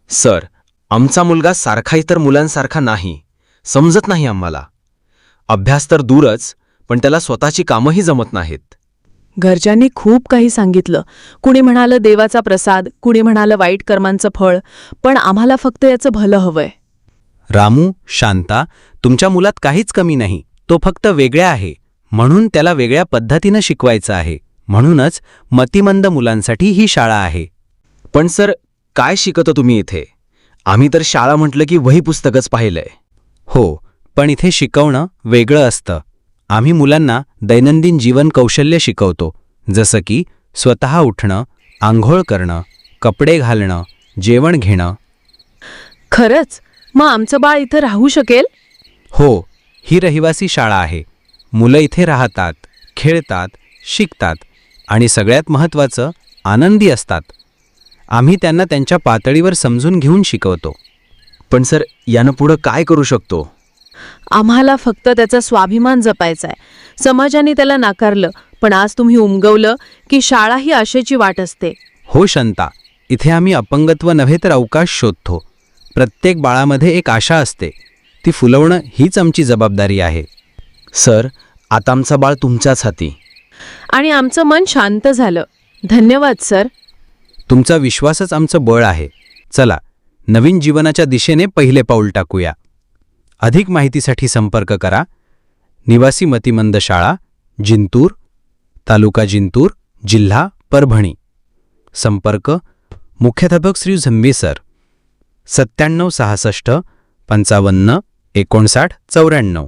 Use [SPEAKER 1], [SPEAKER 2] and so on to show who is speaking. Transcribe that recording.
[SPEAKER 1] Sir, आमचा मुलगा सारखा इतर मुलांसारखा नाही. समजत नाही आम्हाला. अभ्यास तर दूरच, पण त्याला स्वतःची कामंही जमत नाहीत.
[SPEAKER 2] घरच्यांनी खूप काही सांगितलं. कुणी म्हणालं देवाचा प्रसाद, कुणी म्हणालं वाईट कर्मांचं फळ, पण आम्हाला फक्त याचं भलं हवंय.
[SPEAKER 3] रामू, शांता, तुमच्या मुलात काहीच कमी नाही. तो फक्त वेगळा आहे. म्हणून त्याला वेगळ्या पद्धतीनं शिकवायचं आहे. म्हणूनच मतिमंद मुलांसाठी ही शाळा आहे.
[SPEAKER 1] पण सर, काय शिकवता तुम्ही इथे? आम्ही तर शाळा म्हटलं की वही पुस्तकच पाहिलंय.
[SPEAKER 3] हो, पण इथे शिकवणं वेगळं असतं. आम्ही मुलांना दैनंदिन जीवन कौशल्य शिकवतो, जसं की स्वतः उठणं, आंघोळ करणं, कपडे घालणं, जेवण घेणं.
[SPEAKER 2] खरंच? मग आमचं बाळ इथं राहू शकेल?
[SPEAKER 3] हो, ही रहिवासी शाळा आहे. मुलं इथे राहतात, खेळतात, शिकतात आणि सगळ्यात महत्त्वाचं आनंदी असतात. आम्ही त्यांना त्यांच्या पातळीवर समजून घेऊन शिकवतो.
[SPEAKER 1] पण सर, यानं पुढं काय करू शकतो?
[SPEAKER 2] आम्हाला फक्त त्याचा स्वाभिमान जपायचा आहे. समाजाने त्याला नाकारलं, पण आज तुम्ही उमगवलं की शाळा ही आशेची वाट असते.
[SPEAKER 3] हो शांता, इथे आम्ही अपंगत्व नव्हे तर अवकाश शोधतो. प्रत्येक बाळामध्ये एक आशा असते. ती फुलवणं हीच आमची जबाबदारी आहे.
[SPEAKER 1] सर, आता आमचा बाळ तुमच्याच हाती.
[SPEAKER 2] आणि आमचं मन शांत झालं. धन्यवाद सर.
[SPEAKER 3] तुमचा विश्वासच आमचं बळ आहे. चला, नवीन जीवनाच्या दिशेने पहिले पाऊल टाकूया. अधिक माहितीसाठी संपर्क करा. निवासी मतिमंद शाळा, जिंतूर, तालुका जिंतूर, जिल्हा परभणी. संपर्क मुख्याध्यापक श्री झंबे सर, 97 66 55 59 94.